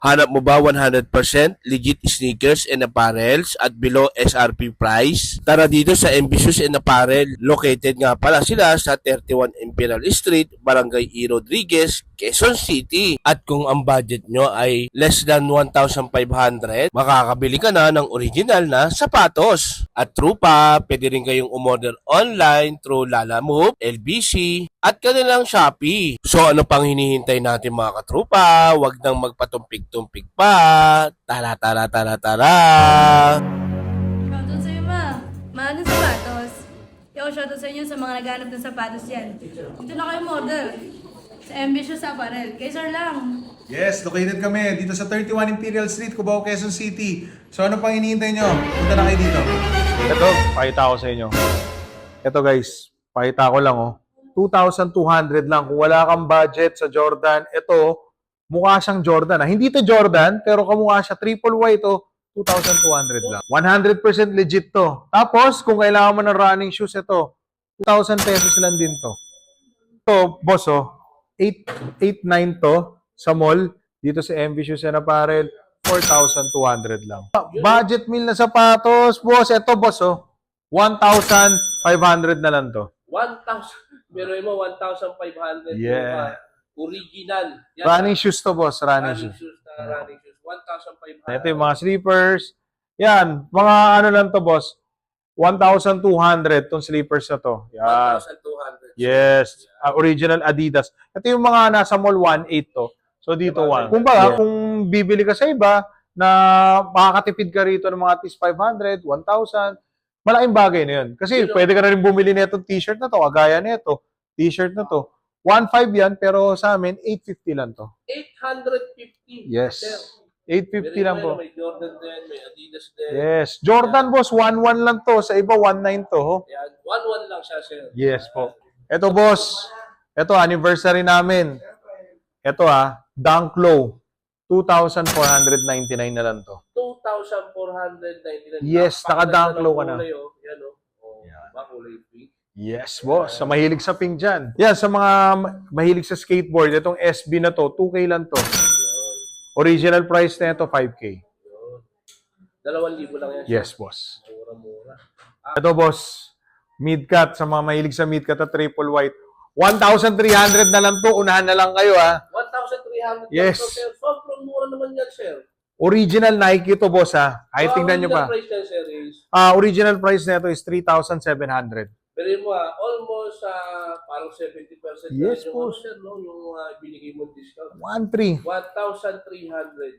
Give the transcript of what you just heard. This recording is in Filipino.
Hanap mo ba 100% legit sneakers and apparels at below SRP price? Tara dito sa Ambitious and Apparel. Located nga pala sila sa 31 Imperial Street, Barangay E. Rodriguez, Quezon City. At kung ang budget nyo ay less than 1,500, makakabili ka na ng original na sapatos. At true pa, pwede rin kayong umorder online through Lalamove, LBC, at kanilang Shopee. So ano pang hinihintay natin mga katrupa? Huwag nang magpatumpik-tumpik pa. Tara, tara, tara, tara! Shoutout sa'yo, ma. Mahal ng sapatos. Yo, shoutout sa inyo sa mga naghanap ng sapatos yan. Dito na kayo model. Sa Ambitious Apparel. Kay sir lang. Yes, located kami dito sa 31 Imperial Street, Cubao, Quezon City. So ano pang hinihintay nyo? Punta na kayo dito. Ito, pakita ko sa inyo. Ito guys, pakita ko lang 2,200 lang. Kung wala kang budget sa Jordan, ito, mukha siyang Jordan. Hindi ito Jordan, pero kamukha siya. Triple Y ito, 2,200 lang. 100% legit to. Tapos, kung kailangan mo ng running shoes, ito, 2,000 pesos lang din to. Ito, boss, 8,900 to sa mall. Dito sa MV Shoes and Apparel, 4,200 lang. Budget meal na sapatos, boss. Ito, boss, 1,500 na lang to. 1,000. Pero mo 1,500. Yeah. Original. Yan, Running shoes to, boss. Running shoes. running shoes. 1,500. Ito yung mga sleepers. Yan. Mga ano lang to, boss. 1,200 tong sleepers na to. Yan. 1,200. Yes. Original Adidas. Ito yung mga nasa mall 1,800 to. So dito 1. Kung ba, kung bibili ka sa iba na makakatipid ka rito ng mga at least 500, 1,000, malaking bagay na yun. Kasi pwede ka na rin bumili nitong t-shirt na to, kagaya nito, t-shirt na to. 1,500 yan, pero sa amin, 850 lang to. 850. Yes. Sir. 850 lang po. May Jordan din, may Adidas din. Yes. Jordan, boss, 1,100 lang to. Sa iba, 1,900 to. Yan. 1,1 lang siya, sir. Yes po. Ito, boss. Ito, anniversary namin. Ito, Dunk Low. 2,499 na lang to. 2,499. Yes, naka-Dunk Low ka na. Kulay, yan, kulay pink. Yes, boss. Sa mahilig sa pink dyan. Yan, sa mga mahilig sa skateboard, itong SB na to, 2K lang to. Original price na ito, 5K. 2,000 lang yan. Yes, boss. Mura-mura. Ito, boss. Mid-cut. Sa mga mahilig sa mid-cut at triple white. 1,300 na lang to. Unahan na lang kayo, 1,300. Yes. Sir. Sobrang mura naman yan, sir. Original Nike to, boss, Ay, tingnan nyo pa. Price yan, sir, is, Original price na ito is 3,700. pero mo, almost parang 70%. Yes, yung, boss. sir, no? Yung binigay mo discount. 1,300. 1,300.